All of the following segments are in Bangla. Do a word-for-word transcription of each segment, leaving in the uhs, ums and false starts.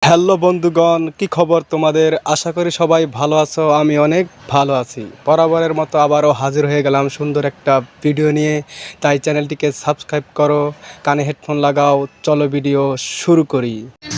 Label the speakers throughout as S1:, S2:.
S1: হ্যালো বন্ধুগণ, কি খবর তোমাদের? আশা করি সবাই ভালো আছো। আমি অনেক ভালো আছি। বরাবরের মতো আবারও হাজির হয়ে গেলাম সুন্দর একটা ভিডিও নিয়ে। তাই চ্যানেলটিকে সাবস্ক্রাইব করো, কানে হেডফোন লাগাও, চলো ভিডিও শুরু করি।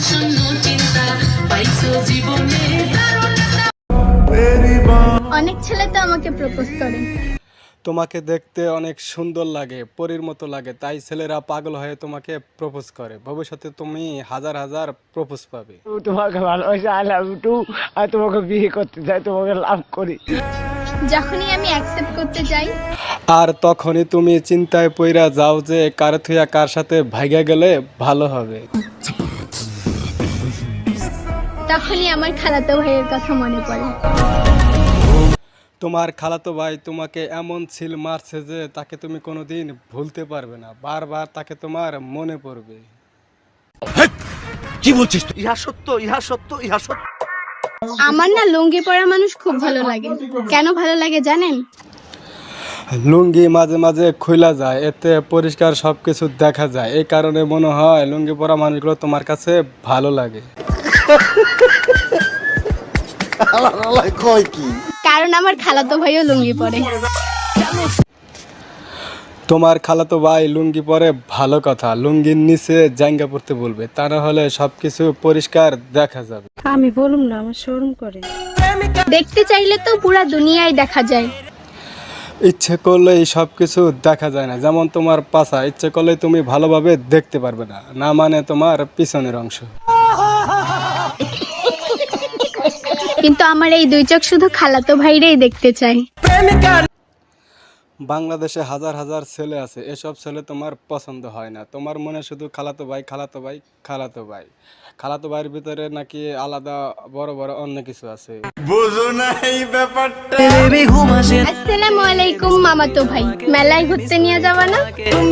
S2: অনেক ছেলে তো আমাকে প্রপোজ করে।
S1: তোমাকে দেখতে অনেক সুন্দর লাগে, পরীর মতো লাগে, তাই ছেলেরা পাগল হয়ে তোমাকে প্রপোজ করে। ভবিষ্যতে তুমি হাজার হাজার প্রপোজ পাবে।
S3: তোমাকে ভালোবাসি, আই লাভ ইউ টু। আর তোমাকে বিয়ে করতে চাই, তোমাকে লাভ করি।
S2: যখনই আমি অ্যাকসেপ্ট করতে যাই,
S1: আর তখনই তুমি চিন্তায় পইরা যাও যে কার থুয়া কার সাথে ভাইগা গেলে ভালো হবে।
S2: তখনই আমার খালাতো ভাইয়ের কথা মনে পড়ে।
S1: তোমার খালাতো ভাই তোমাকে এমন ছিল মারছে যে তাকে তুমি কোনোদিন ভুলতে পারবে না। বারবার তাকে তোমার মনে পড়বে।
S4: কি বলছিস তুই? ইহা সত্য, ইহা সত্য, ইহা সত্য।
S2: আমার না লুঙ্গি পরা মানুষ খুব ভালো লাগে। কেন ভালো লাগে জানেন?
S1: লুঙ্গি মাঝে মাঝে খুইলা যায়, এতে পরিষ্কার সবকিছু দেখা যায়। এই কারণে মনে হয় লুঙ্গি পরা মানুষগুলো তোমার কাছে ভালো লাগে।
S4: কয় কি?
S2: কারণ আমার খালাতো ভাইও লুঙ্গি পরে।
S1: তোমার খালাতো ভাই লুঙ্গি পরে ভালো কথা, লুঙ্গির নিচে জাঙ্গা পড়তে বলবে, তা না হলে সবকিছু পরিষ্কার দেখা যাবে।
S5: আমি বলুম না, আমার শরম করে।
S2: দেখতে চাইলে তো পুরা দুনিয়ায় দেখা যায়।
S1: ইচ্ছে করলেই সবকিছু দেখা যায় না। যেমন তোমার পাছা, ইচ্ছে করলেই তুমি ভালোভাবে দেখতে পারবে না, না মানে তোমার পিছনের অংশ।
S2: কিন্তু আমার এই দুই চোখ শুধু খালাতো ভাইরেই দেখতে চাই।
S1: বাংলাদেশে হাজার হাজার ছেলে আছে, এসব ছেলে তোমার পছন্দ হয় না। তোমার মনে শুধু খালাতো ভাই, খালাতো ভাই, খালাতো ভাই। খালাতো ভাইয়ের ভিতরে নাকি আলাদা বড় বড় অন্য কিছু আছে।
S2: আসসালামু আলাইকুম মামাতো ভাই, মেলায় ঘুরতে নিয়ে যাবা না?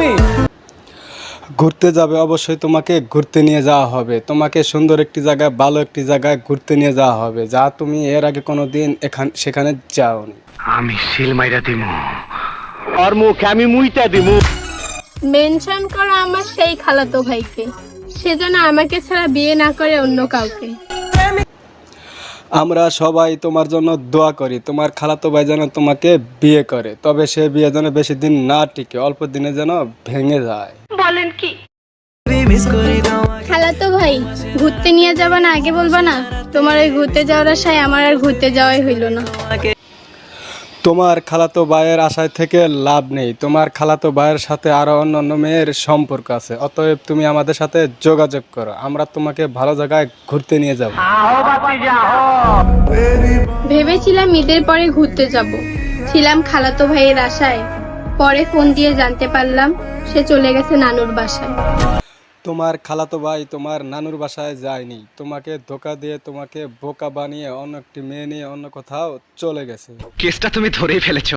S1: ঘুরতে যাবে, অবশ্যই তোমাকে ঘুরতে নিয়ে যাওয়া হবে। তোমাকে সুন্দর একটি জায়গায়, ভালো একটি জায়গায় ঘুরতে নিয়ে যাওয়া হবে, যা তুমি এর আগে কোনো দিন এখান সেখানে যাওনি।
S3: আমি সিল মাইরা দিমু, আর মুখে আমি মুইটা দিমু।
S2: মেনশন করো আমার সেই খালাতো ভাইকে, সে যেন আমাকে ছাড়া বিয়ে না করে অন্য কাউকে।
S1: আমরা সবাই তোমার জন্য দোয়া করি, তোমার খালাতো ভাই যেন তোমাকে বিয়ে করে, তবে সে বিয়ে যেন বেশি দিন না টিকে, অল্প দিনে যেন ভেঙে যায়।
S2: খালাতো ভাই, ঘুরতে নিয়ে যাবা না আগে বলবা না? তোমার ওই ঘুরতে যাওয়ার আশায় আমার আর ঘুরতে যাওয়াই হইল না।
S1: তোমার খালাতো ভাইয়ের আশায় থেকে লাভ নেই। তোমার খালাতো ভাইয়ের সাথে আরো অন্যান্য মেয়ের সম্পর্ক আছে, অতএব তুমি আমাদের সাথে যোগাযোগ করো, আমরা তোমাকে ভালো জায়গায় ঘুরতে নিয়ে যাব।
S2: ভেবেছিলাম ঈদের পরে ঘুরতে যাব, ছিলাম খালাতো ভাইয়ের আশায়। পরে ফোন দিয়ে জানতে পারলাম সে চলে গেছে নানুর বাসায়।
S1: তোমার খালাতো ভাই তোমার নানুর বাসায় যায়নি, তোমাকে ধোকা দিয়ে, তোমাকে বোকা বানিয়ে অন্য একটি মেয়ে নিয়ে অন্য কোথাও চলে গেছে।
S4: কেসটা তুমি ধরেই ফেলেছো।